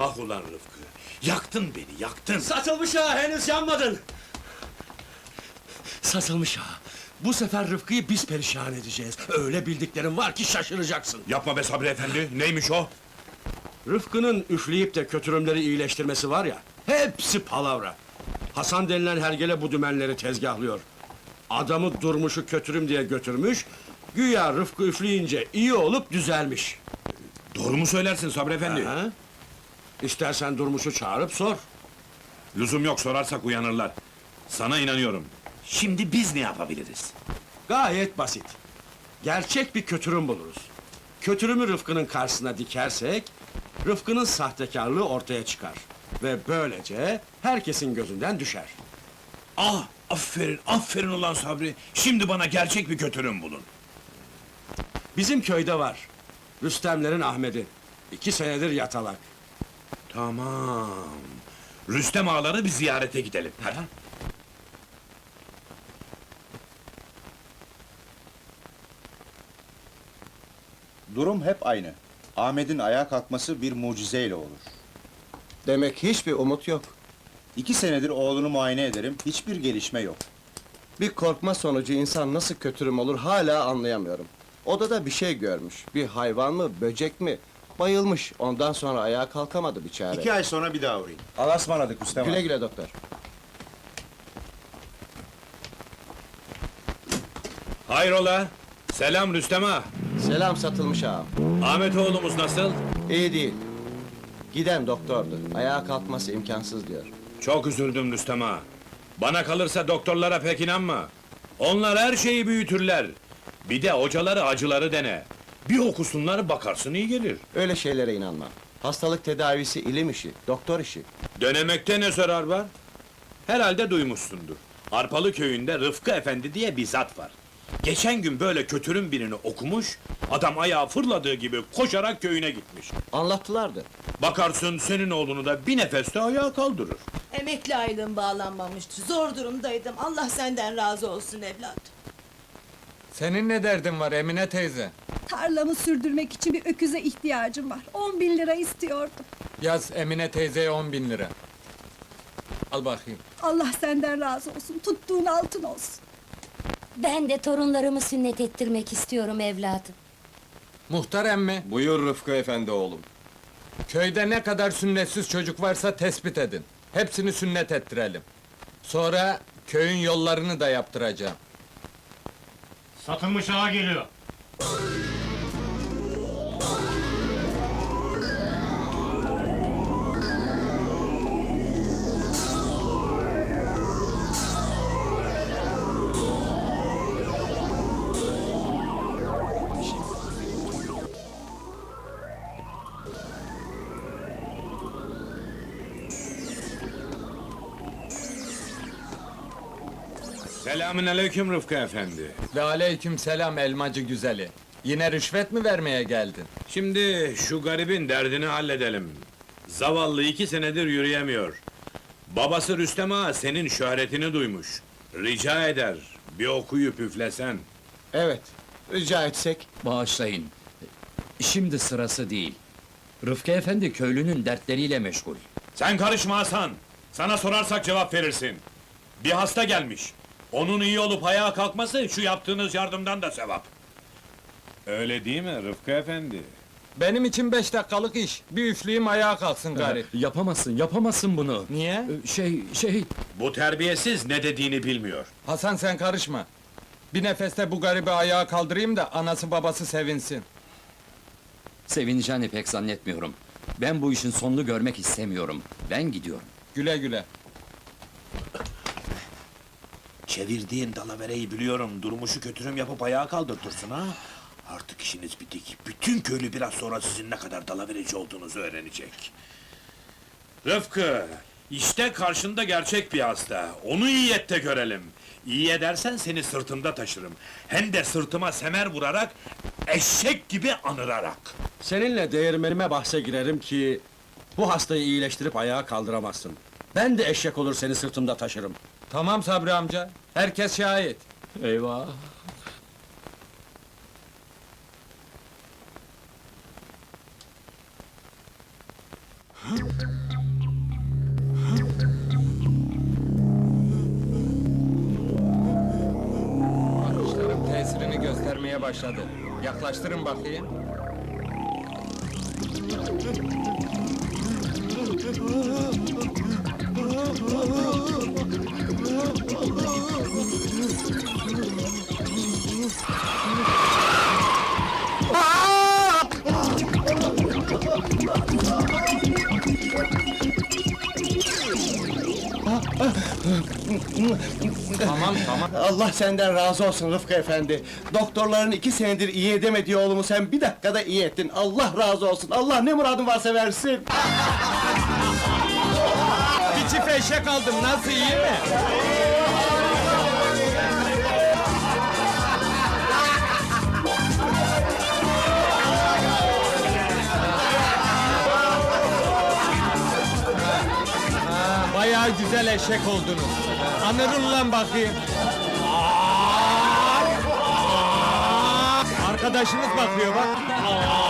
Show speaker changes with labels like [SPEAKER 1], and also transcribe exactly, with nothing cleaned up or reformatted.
[SPEAKER 1] Ah ulan Rıfkı! Yaktın beni, yaktın!
[SPEAKER 2] Satılmış ha, henüz yanmadın! Satılmış ha! Bu sefer Rıfkı'yı biz perişan edeceğiz. Öyle bildiklerim var ki şaşıracaksın.
[SPEAKER 1] Yapma be Sabri efendi, neymiş o?
[SPEAKER 2] Rıfkı'nın üfleyip de kötürümleri iyileştirmesi var ya, hepsi palavra. Hasan denilen hergele bu dümenleri tezgahlıyor. Adamı Durmuş'u kötürüm diye götürmüş, güya Rıfkı üfleyince iyi olup düzelmiş.
[SPEAKER 1] Doğru mu söylersin Sabri efendi?
[SPEAKER 2] Ha? İstersen Durmuş'u çağırıp sor.
[SPEAKER 1] Lüzum yok, sorarsak uyanırlar. Sana inanıyorum. Şimdi biz ne yapabiliriz?
[SPEAKER 2] Gayet basit. Gerçek bir kötürüm buluruz. Kötürümü Rıfkı'nın karşısına dikersek, Rıfkı'nın sahtekarlığı ortaya çıkar. Ve böylece herkesin gözünden düşer.
[SPEAKER 1] Ah, aferin, aferin ulan Sabri! Şimdi bana gerçek bir kötürüm bulun.
[SPEAKER 2] Bizim köyde var. Rüstemlerin Ahmet'i. İki senedir yatalak.
[SPEAKER 1] Tamam. Rüstem ağaları bir ziyarete gidelim. Hadi.
[SPEAKER 3] Durum hep aynı. Ahmet'in ayağa kalkması bir mucizeyle olur.
[SPEAKER 4] Demek hiçbir umut yok.
[SPEAKER 3] İki senedir oğlunu muayene ederim, hiçbir gelişme yok.
[SPEAKER 4] Bir korkma sonucu insan nasıl kötürüm olur hala anlayamıyorum. Odada bir şey görmüş. Bir hayvan mı, böcek mi? Bayılmış. Ondan sonra ayağa kalkamadı biçare.
[SPEAKER 3] İki ay sonra bir daha uğrayın. Allah'a ısmarladık Rüstem
[SPEAKER 4] Güle
[SPEAKER 3] ağa.
[SPEAKER 4] güle doktor.
[SPEAKER 1] Hayrola? Selam Rüstem ağa!
[SPEAKER 4] Selam satılmış ağam.
[SPEAKER 1] Ahmet oğlumuz nasıl?
[SPEAKER 4] İyi değil. Giden doktordu. Ayağa kalkması imkansız diyor.
[SPEAKER 1] Çok üzüldüm Rüstem ağa. Bana kalırsa doktorlara pek inanma. Onlar her şeyi büyütürler. Bir de hocaları acıları dene. Bir okusunlar bakarsın iyi gelir.
[SPEAKER 4] Öyle şeylere inanmam. Hastalık tedavisi ilim işi, doktor işi.
[SPEAKER 1] Denemekte ne zarar var? Herhalde duymuşsundur. Arpalı köyünde Rıfkı Efendi diye bir zat var. Geçen gün böyle kötürüm birini okumuş, adam ayağı fırladığı gibi koşarak köyüne gitmiş.
[SPEAKER 4] Anlattılardı.
[SPEAKER 1] Bakarsın senin oğlunu da bir nefeste ayağa kaldırır.
[SPEAKER 5] Emekli aylığım bağlanmamıştı. Zor durumdaydım. Allah senden razı olsun evlat.
[SPEAKER 6] Senin ne derdin var Emine teyze?
[SPEAKER 7] Tarlamı sürdürmek için bir öküze ihtiyacım var. On bin lira istiyordum.
[SPEAKER 6] Yaz Emine teyzeye on bin lira. Al bakayım.
[SPEAKER 7] Allah senden razı olsun. Tuttuğun altın olsun.
[SPEAKER 8] Ben de torunlarımı sünnet ettirmek istiyorum evladım.
[SPEAKER 6] Muhtar emmi,
[SPEAKER 4] Buyur Rıfkı efendi oğlum.
[SPEAKER 6] köyde ne kadar sünnetsiz çocuk varsa tespit edin. Hepsini sünnet ettirelim. Sonra köyün yollarını da yaptıracağım.
[SPEAKER 9] Satılmış ağa geliyor.
[SPEAKER 1] Selamünaleyküm Rıfkı Efendi.
[SPEAKER 6] Ve aleyküm selam elmacı güzeli. Yine rüşvet mi vermeye geldin?
[SPEAKER 1] Şimdi şu garibin derdini halledelim. Zavallı iki senedir yürüyemiyor. Babası Rüstem ağa senin şöhretini duymuş. Rica eder, bir okuyup üflesen.
[SPEAKER 4] Evet, rica etsek.
[SPEAKER 10] Bağışlayın. Şimdi sırası değil. Rıfkı Efendi köylünün dertleriyle meşgul.
[SPEAKER 1] Sen karışma Hasan! Sana sorarsak cevap verirsin. Bir hasta gelmiş. Onun iyi olup ayağa kalkması, şu yaptığınız yardımdan da sevap. Öyle değil mi Rıfkı Efendi?
[SPEAKER 6] Benim için beş dakikalık iş. Bir üfleyeyim ayağa kalksın garip.
[SPEAKER 10] Yapamazsın, yapamazsın bunu.
[SPEAKER 6] Niye?
[SPEAKER 10] Ee, Şey, şey...
[SPEAKER 1] Bu terbiyesiz ne dediğini bilmiyor.
[SPEAKER 6] Hasan sen karışma. Bir nefeste bu garibi ayağa kaldırayım da anası babası sevinsin.
[SPEAKER 10] Sevineceğini pek zannetmiyorum. Ben bu işin sonunu görmek istemiyorum. Ben gidiyorum.
[SPEAKER 6] Güle güle.
[SPEAKER 1] Çevirdiğin dalavereyi biliyorum, durmuşu kötürüm yapıp ayağa kaldırtırsın ha! Artık işiniz bitik, bütün köylü biraz sonra sizin ne kadar dalavereci olduğunuzu öğrenecek. Rıfkı, işte karşında gerçek bir hasta, onu iyi et de görelim. İyi edersen seni sırtımda taşırım, hem de sırtıma semer vurarak, eşek gibi anırarak.
[SPEAKER 2] Seninle değirmenime bahse girerim ki... ...bu hastayı iyileştirip ayağa kaldıramazsın. Ben de eşek olur seni sırtımda taşırım.
[SPEAKER 6] Tamam Sabri amca. Herkes şahit.
[SPEAKER 10] Eyvah!
[SPEAKER 6] Bakışlarım tesirini göstermeye başladı. Yaklaştırın bakayım. Tamam, tamam.
[SPEAKER 4] Allah senden razı olsun Rıfkı efendi. Doktorların iki senedir iyi edemediği oğlumu sen bir dakikada iyi ettin. Allah razı olsun. Allah ne muradın varsa versin.
[SPEAKER 6] Bir çift eşek aldım, nasıl, iyi mi? Ha, bayağı güzel eşek oldunuz. Anırın lan bakayım. Arkadaşınız bakıyor bak.